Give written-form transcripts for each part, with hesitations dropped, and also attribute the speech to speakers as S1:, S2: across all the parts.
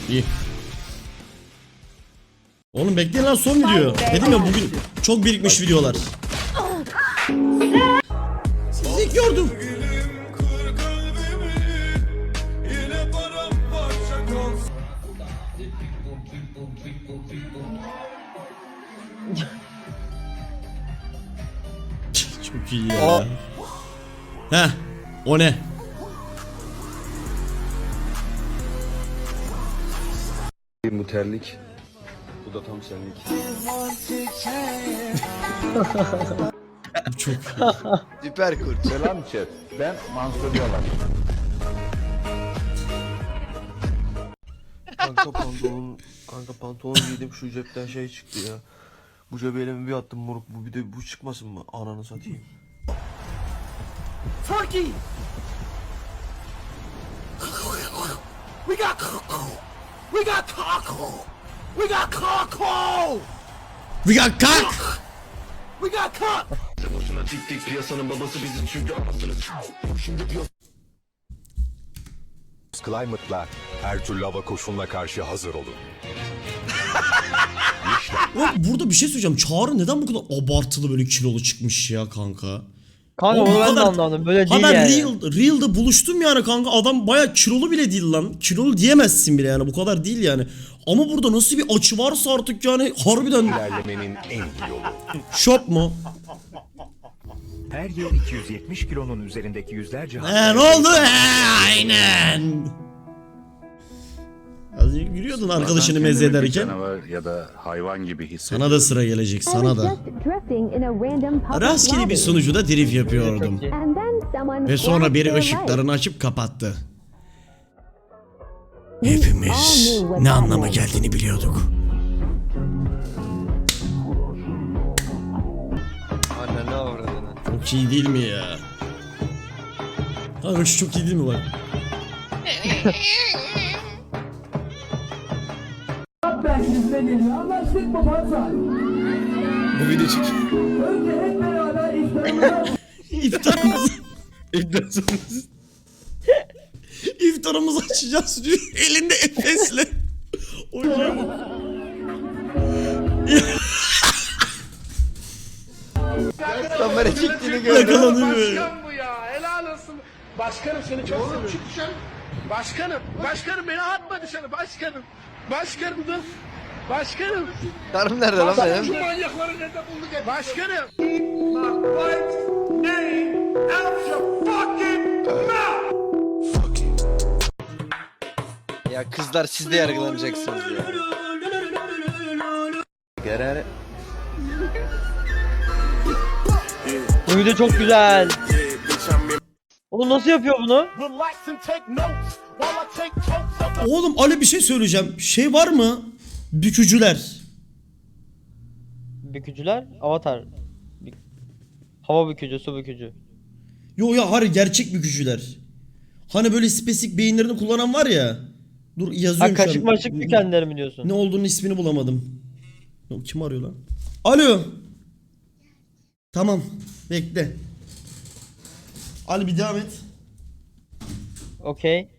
S1: İyi. Oğlum bekleyin lan, son video. Dedim ya bugün çok birikmiş videolar. Sizi gördüm. Çok iyi ya. Heh, o ne?
S2: Bu terlik. Bu da tam senlik.
S1: Çok
S3: Süper kurt.
S4: Selam chat. Ben Mansur Yalan.
S5: Kanka pantolon giydim, şu cepten şey çıktı ya. Bu cebe elimi bir attım moruk, bu bir de bu çıkmasın mı? Ananı satayım.
S6: Turkey! We got cockle! We got cockle! We got cockle!
S1: We got cock.
S6: We got cock!
S5: Boşuna tik tik, piyasanın babası biziz çünkü anasınız. Şimdi
S4: Climate'la her türlü hava koşuluna karşı hazır olun.
S1: Oğlum burada bir şey söyleyeceğim. Çağrı neden bu kadar abartılı böyle kilolu çıkmış ya kanka?
S7: Kanka
S1: Oğlum bu
S7: onu ben de
S1: kadar-
S7: anlamadım. Böyle
S1: Ha
S7: değil
S1: ben
S7: yani.
S1: Real'da buluştum yani kanka. Adam baya kilolu bile değil lan. Kilolu diyemezsin bile yani. Bu kadar değil yani. Ama burada nasıl bir açı varsa artık yani harbiden
S4: İlerlemenin en iyi yolu.
S1: şop mu?
S8: Her yıl 270 kilonun üzerindeki yüzlerce
S1: Ne oldu? Aynen. Az önce yürüyordun arkadaşını meze ederken.
S9: Canavar ya da hayvan gibi hissediyorum.
S1: Sana da sıra gelecek, sana da. Rastgele bir sunucuda drift yapıyordum. Ve sonra biri ışıklarını açıp kapattı. Hepimiz ne anlama geldiğini biliyorduk.
S3: Anne ne avradını.
S1: Çok iyi değil mi ya? Kanka şu çok iyi değil mi bak?
S2: Bu video çık.
S1: İftarımızı,
S2: İlkten sonra
S1: iftarımızı açacağız diyor. Elinde Efes'le. Hocam.
S3: Kamera çektiğini gördüm.
S1: Yakalanıyor.
S6: Bu ya helal olsun. Başkanım seni çok seviyorum. Çık dışarı. Başkanım. Başkanım beni atma dışarı. Başkanım. Başkanım dur. Başkanım.
S3: Karım nerede lan
S6: Şu
S3: benim?
S6: manyakları nerede bulduk hep? Başkanım. My wife's name out your fucking mouth.
S3: Ya kızlar siz de yargılanacaksınız ya.
S2: Gerer.
S7: Bu video çok güzel. Oğlum nasıl yapıyor bunu?
S6: Relax and take notes while I take totes of
S1: Oğlum Ali bir şey söyleyeceğim. Şey var mı? Bükücüler.
S7: Bükücüler, avatar. Hava bükücü, su bükücü.
S1: Yo ya hayır, gerçek bükücüler. Hani böyle spesifik beyinlerini kullanan var ya. Dur
S7: Ha
S1: yazıyorum şu an.
S7: kaşık maşık bükenleri mi diyorsun?
S1: Ne olduğunu ismini bulamadım. Kim arıyor lan? Alo. Tamam. Bekle. Ali bir devam et.
S7: Okey.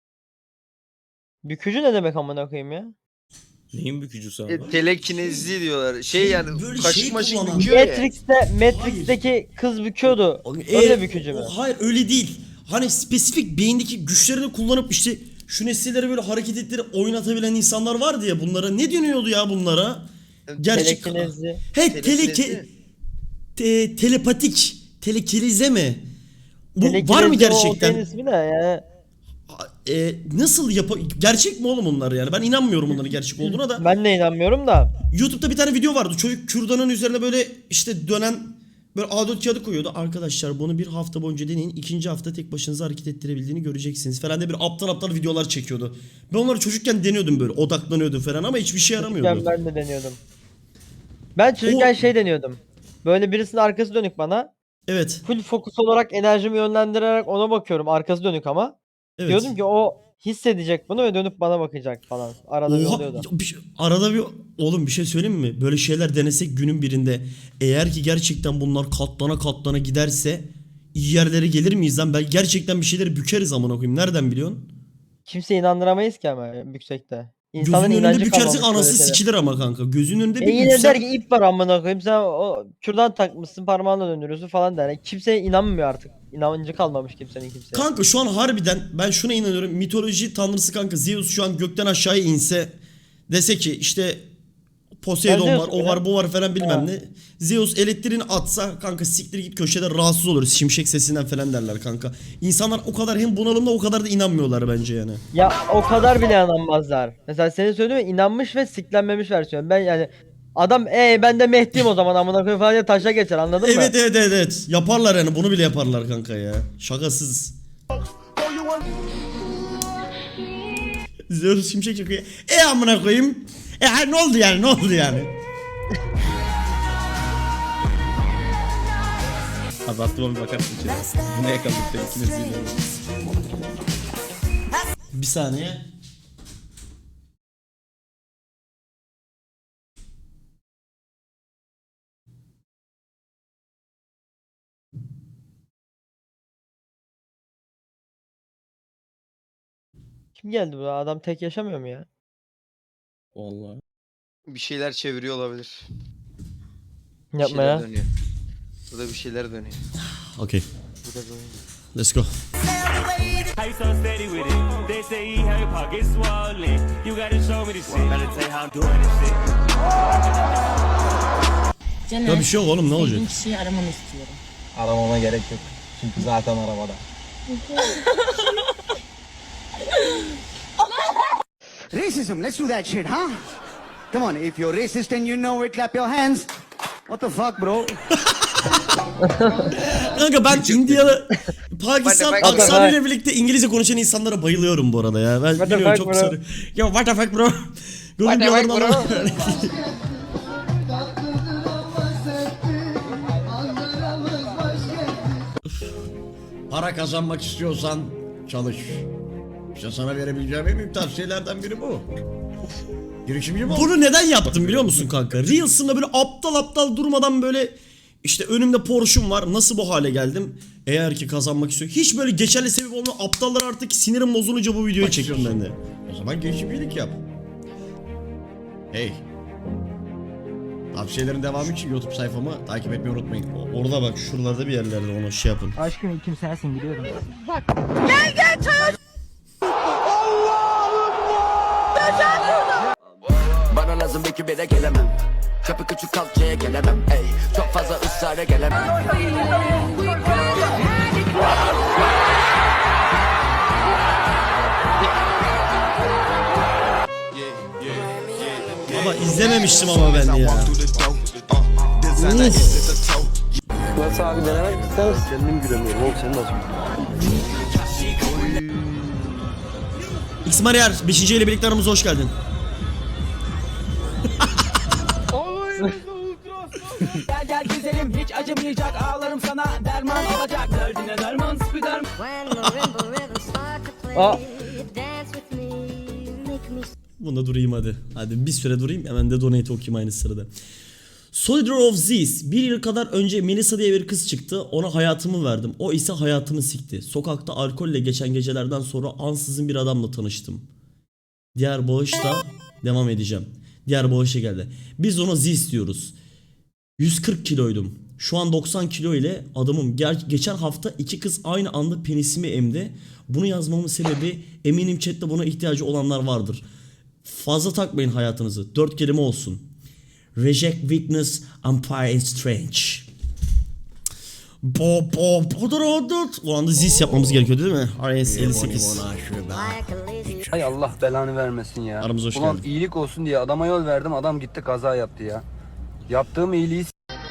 S7: Bükücü ne demek amına koyayım ya?
S2: Neyin bükücüsü abi?
S3: Telekinezi diyorlar. Şey yani
S1: Böyle
S3: kaşık
S1: şey
S3: maşık
S1: kullanan.
S3: büküyor ya.
S7: Matrix'teki kız büküyordu. Öyle bükücü mü?
S1: Hayır öyle değil. Hani spesifik beyindeki güçlerini kullanıp işte şu nesilleri böyle hareket ettirip oynatabilen insanlar vardı ya, bunlara. Ne deniyordu ya bunlara? Gerçek.
S7: Telekinezi.
S1: He
S3: Telekinezi.
S1: telepatik. Telekilize mi? Bu var mı
S7: Telekinezi o
S1: gerçekten?
S7: olayın ismi de ya.
S1: Nasıl gerçek mi oğlum onlar yani? Ben inanmıyorum onların gerçek olduğuna da.
S7: Ben de inanmıyorum da.
S1: YouTube'da bir tane video vardı. Çocuk kürdanın üzerine böyle işte dönen böyle A4 kağıdı koyuyordu. Arkadaşlar bunu bir hafta boyunca deneyin. İkinci hafta tek başınıza hareket ettirebildiğini göreceksiniz falan diye bir aptal aptal videolar çekiyordu. Ben onları çocukken deniyordum böyle. Odaklanıyordum falan ama hiçbir şey yaramıyordu.
S7: Ben de deniyordum. Ben çocukken
S1: O-
S7: şey deniyordum. Böyle birisinin arkası dönük bana.
S1: Evet.
S7: Full fokus olarak enerjimi yönlendirerek ona bakıyorum. Arkası dönük ama.
S1: Evet.
S7: Diyordum ki o hissedecek bunu ve dönüp bana bakacak falan. Arada bir
S1: Oha,
S7: oluyordu.
S1: arada bir oğlum bir şey söyleyeyim mi? Böyle şeyler denesek günün birinde, eğer ki gerçekten bunlar katlana katlana giderse iyi yerlere gelir miyiz lan? Ben gerçekten bir şeyleri bükeriz amına koyayım. Nereden biliyorsun?
S7: Kimse inandıramayız ki ama yüksekte. İnsanın
S1: Gözünün önünde
S7: inancı
S1: bükersin
S7: kalmamış
S1: anası
S7: böyle şeylere.
S1: sikilir ama kanka. Gözünün önünde bir
S7: Yine
S1: büksen-
S7: der ki ip var amına koyayım sen o kürdan takmışsın parmağınla döndürüyorsun falan der. Yani kimseye inanmıyor artık. İnancı kalmamış kimsenin kimseye.
S1: Kanka şu an harbiden ben şuna inanıyorum. Mitoloji tanrısı kanka Zeus şu an gökten aşağıya inse dese ki işte Poseidon
S7: Ben
S1: var,
S7: Zeus'um
S1: o
S7: ya.
S1: var, bu var falan bilmem
S7: Ha.
S1: ne. Zeus elektriğini atsa kanka siktir git köşede rahatsız oluruz. Şimşek sesinden falan derler kanka. İnsanlar o kadar hem bunalımda o kadar da inanmıyorlar bence yani.
S7: Ya o kadar bile inanmazlar. Mesela senin söylediğin gibi inanmış ve siklenmemiş versiyon. Ben yani adam ben de Mehdi'yim o zaman amına koyayım falan diye taşa geçer anladın mı?
S1: Evet evet evet evet. Yaparlar yani bunu bile yaparlar kanka ya. Şakasız. Zeus şimşek çakıyor. Amına koyayım. Ne oldu yani ne oldu yani?
S9: Abi aklıma bir bakarsın içeri. Bu ne yakaladık da ikiniz dinliyoruz.
S1: Bir saniye.
S7: Kim geldi bu adam tek yaşamıyor mu ya?
S9: Vallahi.
S3: Bir şeyler çeviriyor olabilir. Bir
S7: Yapma
S3: şeyler
S7: ya.
S3: dönüyor. Burada bir şeyler dönüyor.
S1: Okay. Let's go. Ya bir şey yok oğlum ne olacak?
S10: kişiyi aramanı istiyorum.
S5: Aramama gerek yok. Çünkü zaten arabada.
S6: Racism, let's do that shit, huh? Come on, if you're racist and you know it, clap your hands. What the fuck, bro?
S1: Kanka ben Indiyalı Pakistan
S3: What the fuck?
S1: aksanıyla birlikte İngilizce konuşan insanlara bayılıyorum bu arada ya. Ben
S7: What the
S1: biliyorum
S7: fuck
S1: çok
S7: bro?
S1: sarı. Ya what the fuck bro?
S3: What the fuck bro?
S11: Para kazanmak istiyorsan çalış. İşte sana verebileceğim en büyük tavsiyelerden biri bu. Girişimci mi ol?
S1: Bunu neden yaptım biliyor musun kanka? Reels'ımda böyle aptal aptal durmadan böyle işte önümde Porsche'um var. Nasıl bu hale geldim? Eğer ki kazanmak istiyor. Hiç böyle geçerli sebep olmuyor. Aptallar artık sinirim bozulunca bu videoyu çekiyorum ben de.
S11: O zaman girişimcilik yap. Hey. Tavsiyelerin devamı için YouTube sayfamı takip etmeyi unutmayın.
S1: Orada bak şuralarda bir yerlerde onu şey yapın.
S7: Aşkım ilkim sensin biliyorum.
S6: Bana lazım bir de gelemem. Kapı küçük kalçaya gelemem. Ey, çok fazla ısrara gelemem.
S1: Ama izlememiştim ama ben ya.
S5: Nasıl abi denemek ister misin? Kendim gülemiyorum oğlum sen nasıl?
S1: X Mariar 5. ile birlikte aramıza hoş geldin.
S6: Gel gel güzelim hiç acımayacak ağlarım sana derman olacak. Derdine derman spider.
S1: Bunda durayım hadi. Hadi bir süre durayım hemen de donate okuyayım aynı sırada. Soldier of Zeus. Bir yıl kadar önce Melissa diye bir kız çıktı. Ona hayatımı verdim. O ise hayatımı sikti. Sokakta alkolle geçen gecelerden sonra ansızın bir adamla tanıştım. Diğer bağışta devam edeceğim. Diğer bağışa geldi. Biz ona Zeus diyoruz. 140 kiloydum. Şu an 90 kilo ile adamım. Geçen hafta 2 kız aynı anda penisimi emdi. Bunu yazmamın sebebi eminim chatte buna ihtiyacı olanlar vardır. Fazla takmayın hayatınızı. 4 kelime olsun. Reject weakness, umpire strange. O anda zis yapmamız gerekiyor değil mi? RS 58.
S5: Hay Allah belanı vermesin ya.
S1: Aramıza hoş
S5: Ulan
S1: geldin.
S5: iyilik olsun diye adama yol verdim adam gitti kaza yaptı ya. Yaptığım iyiliği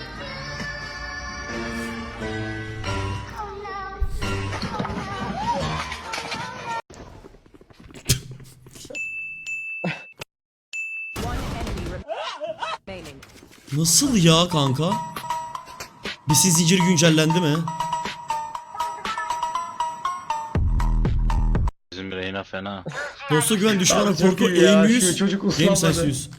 S1: Nasıl ya kanka? Besin zinciri güncellendi mi?
S9: Bizim Reyna fena.
S1: Dosta güven, düşmana korku, aim 100, game sense 100.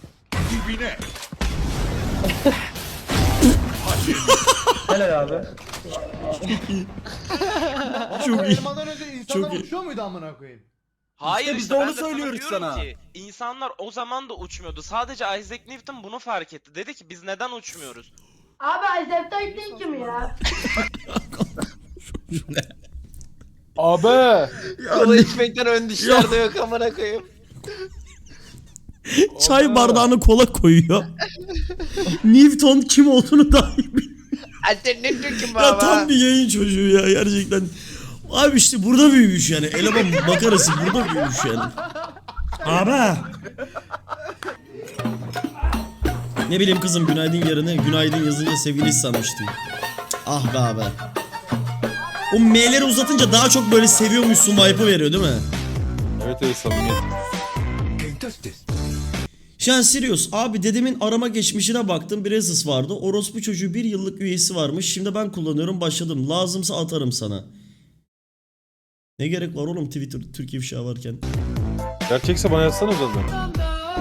S5: Helal abi.
S1: Çok iyi.
S6: Elmadan önce
S1: Çok
S6: insanlar
S1: iyi.
S6: uçuyor muydu amına koyayım?
S10: Hayır
S6: biz
S10: işte
S6: de
S10: ben
S6: onu
S10: sana
S6: söylüyoruz
S10: diyorum
S6: sana.
S10: ki insanlar o zaman da uçmuyordu. Sadece Isaac Newton bunu fark etti. Dedi ki biz neden uçmuyoruz?
S12: Abi Isaac Newton kim ya?
S6: Abi.
S3: Kola içmekten ön dişler de yok amına koyayım.
S1: Çay bardağına kola koyuyor. Newton kim olduğunu dahi bilmiyor.
S3: Anten ne diyor ki
S1: Ya
S3: baba?
S1: tam bir yayın çocuğu ya gerçekten. Abi işte burada büyümüş yani. Eleman makarası burada büyümüş yani. Abi. Ne bileyim kızım günaydın yerine günaydın yazınca sevgili sanmıştım. Ah be abi. O M'leri uzatınca daha çok böyle seviyormuşsun vibe'ı veriyor değil mi?
S2: Evet samimiyet.
S1: Şu an Sirius abi dedemin arama geçmişine baktım. Bir Asus vardı. Orospu çocuğu 1 yıllık üyesi varmış. Şimdi ben kullanıyorum başladım. Lazımsa atarım sana. Ne gerek var oğlum Twitter Türkiye ifşa varken.
S2: Gerçekse bana yazsana zaten.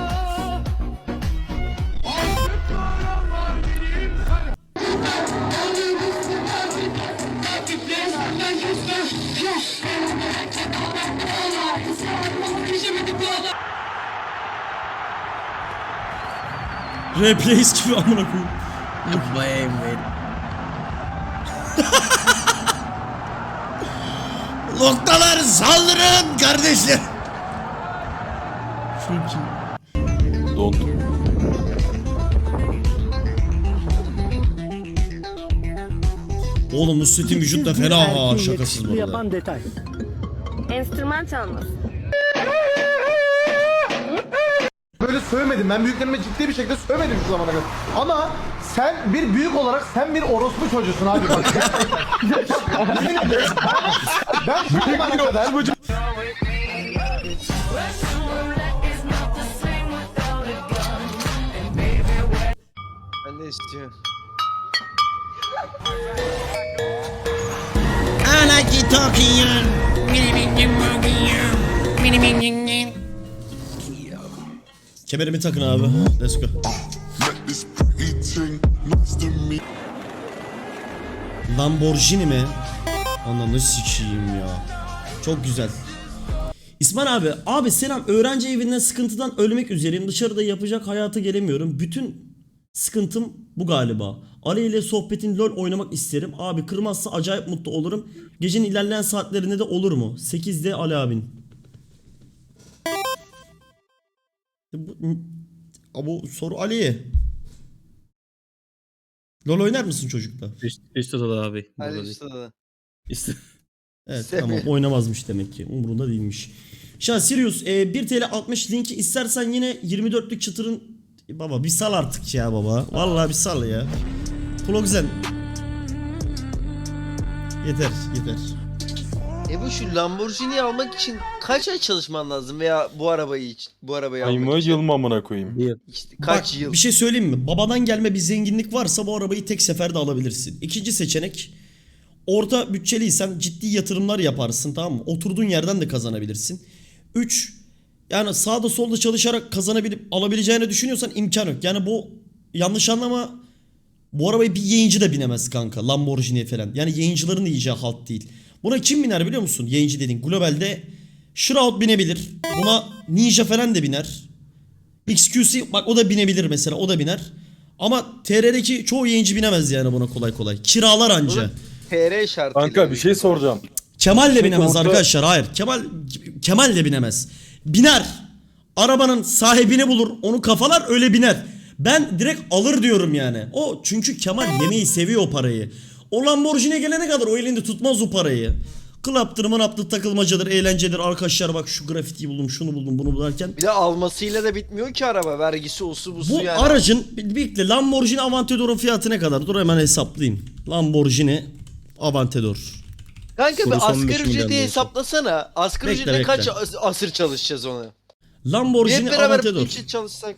S1: Replays gibi amına koyayım. Noktalar saldırın kardeşler. Çok iyi.
S2: Don't.
S1: Oğlum Nusret'in vücut da fena ha şakasız bu arada.
S12: detay. Enstrüman çalması.
S6: Böyle sövmedim. Ben büyüklerime ciddi bir şekilde sövmedim şu zamana kadar. Ama sen bir büyük olarak sen bir orospu çocuğusun abi bak. Ben şu zamana kadar
S3: Ben de istiyorum.
S1: I like it talking Kemerimi takın abi. Let's go. Lamborghini mi? Ananı sikeyim ya. Çok güzel. İsmail abi selam. Öğrenci evinden sıkıntıdan ölmek üzereyim. Dışarıda yapacak hayata gelemiyorum. Bütün sıkıntım bu galiba. Ali ile sohbetin LoL oynamak isterim. Abi kırmazsa acayip mutlu olurum. Gecenin ilerleyen saatlerinde de olur mu? 8'de Ali abin. Bu soru Ali'ye. LoL oynar mısın çocukla?
S9: Üst odada abi.
S3: Hadi
S9: Burada
S3: işte
S9: değil.
S3: da.
S9: İşte.
S1: Evet
S3: Sevmiyorum.
S1: tamam oynamazmış demek ki. Umurunda değilmiş. Şan Sirius 1 TL 60 linki istersen yine 24'lük çıtırın baba bir sal artık ya baba. Vallahi bir sal ya. Plogzen. Yeter.
S3: Bu şu Lamborghini almak için kaç ay çalışman lazım veya bu arabayı
S2: Ay mı
S3: almak için?
S2: yıl mı amına koyayım?
S3: İşte kaç
S1: Bak,
S3: yıl?
S1: bir şey söyleyeyim mi? Babadan gelme bir zenginlik varsa bu arabayı tek seferde alabilirsin. İkinci seçenek orta bütçeliysen ciddi yatırımlar yaparsın tamam mı? Oturduğun yerden de kazanabilirsin. 3 yani sağda solda çalışarak kazanabilip alabileceğini düşünüyorsan imkan yok. Yani bu yanlış anlama bu arabayı bir yayıncı da binemez kanka Lamborghini falan. Yani yayıncıların da yiyeceği halt değil. Buna kim biner biliyor musun? Yayıncı dediğin globalde Shroud binebilir. Buna Ninja falan da biner. XQC bak o da binebilir mesela o da biner. Ama TR'deki çoğu yayıncı binemez yani buna kolay kolay. Kiralar anca.
S3: TR şartıyla.
S2: Kanka bir şey soracağım.
S1: Kemal de binemez
S2: orta-
S1: arkadaşlar. Hayır. Kemal de binemez. Biner. Arabanın sahibini bulur. Onu kafalar öyle biner. Ben direkt alır diyorum yani. O çünkü Kemal yemeği seviyor o parayı. O Lamborghini'ye gelene kadar o elinde tutmaz o parayı. Club'tır, manaptır, takılmacadır, eğlencedir. Arkadaşlar bak şu grafitiyi buldum, şunu buldum, bunu bularken.
S3: Bir de almasıyla da bitmiyor ki araba. Vergisi osu busu
S1: Bu
S3: yani.
S1: aracın birlikte Lamborghini Aventador'un fiyatı ne kadar? Dur hemen hesaplayayım. Lamborghini Aventador.
S3: Kanka
S9: Soru
S3: bir
S9: son 5
S3: asgari
S9: milyon
S3: ücreti
S9: diyorsun.
S3: hesaplasana. Asgari
S1: Bekle,
S3: ücretle kaç
S1: bekle.
S3: asır çalışacağız onu? Bir
S1: Lamborghini
S3: hep beraber
S1: Aventador.
S3: bir çalışsak.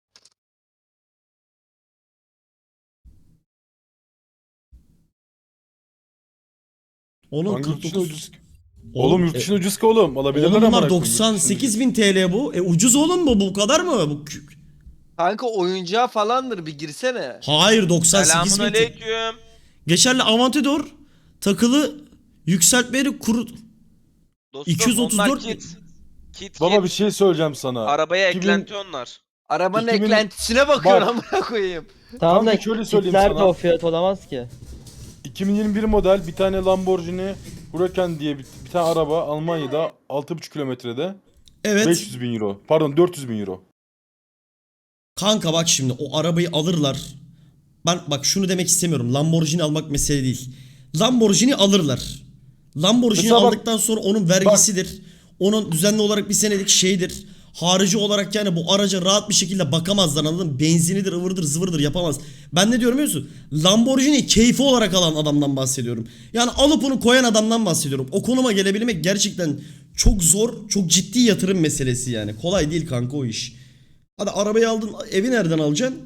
S1: Onun
S2: Hangi yurt
S1: 49.
S2: dışına ucuz? Oğlum yurt dışına ucuz ki oğlum. Alabilirler
S1: Oğlum
S2: amına
S1: bunlar
S2: koyayım.
S1: 98 bin TL bu. Ucuz oğlum bu kadar mı?
S3: Kanka oyuncağı falandır bir girsene.
S1: Hayır 98
S10: Selamun
S1: bin TL.
S10: aleyküm.
S1: Geçerli Aventador takılı yükseltmeli kuru
S10: Dostum,
S1: 234
S10: onlar kit. Kit
S2: Baba
S10: kit.
S2: bir şey söyleyeceğim sana.
S10: Arabaya
S2: 2000
S10: eklenti onlar.
S3: Arabanın
S2: 2000
S3: eklentisine bakıyorsun amına koyayım.
S7: Tamam da
S2: Kanka şöyle söyleyeyim
S7: kitler de
S2: sana.
S7: o fiyat olamaz ki.
S2: 2021 model bir tane Lamborghini Huracan diye bir tane araba Almanya'da 6,5 kilometrede
S1: Evet.
S2: 500 bin euro. Pardon 400 bin euro.
S1: Kanka bak şimdi o arabayı alırlar. Ben bak şunu demek istemiyorum. Lamborghini almak mesele değil. Lamborghini alırlar. Lamborghini
S2: Mesela bak-
S1: aldıktan sonra onun vergisidir. Onun düzenli olarak bir senelik şeydir. Harici olarak yani bu araca rahat bir şekilde bakamazlar, anladın mı? Benzinidir, ıvırdır, zıvırdır yapamaz. Ben ne diyorum biliyor musun? Lamborghini keyfi olarak alan adamdan bahsediyorum. Yani alıp onu koyan adamdan bahsediyorum. O konuma gelebilmek gerçekten çok zor, çok ciddi yatırım meselesi yani. Kolay değil kanka o iş. Hadi arabayı aldın, evi nereden alacaksın?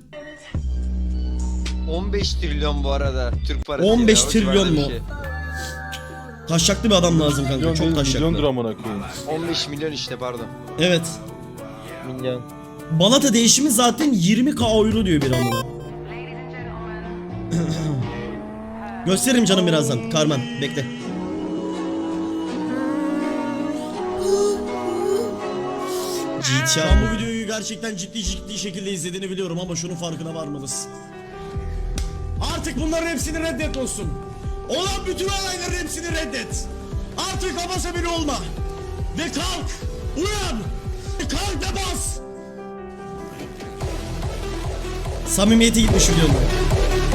S3: 15 trilyon bu arada Türk parası.
S1: 15
S3: o
S1: trilyon
S3: civarda bir
S1: mu?
S3: şey.
S1: Taşaklı bir adam lazım kanka,
S2: Milyon
S1: çok
S2: değil,
S1: taşaklı.
S2: milyondur amına koyayım.
S3: 15 milyon işte pardon.
S1: Evet.
S7: Milyon.
S1: Balata değişimi zaten 20k euro diyor bir amına. Gösteririm canım birazdan. Carmen bekle. Sen bu videoyu gerçekten ciddi şekilde izlediğini biliyorum ama şunun farkına varmalısın. Artık bunların hepsini reddet olsun. Olan bütün olayların hepsini reddet. Artık abasa biri olma. Ve kalk. Uyan. Kalk ve bas. Samimiyeti gitmiş videonun.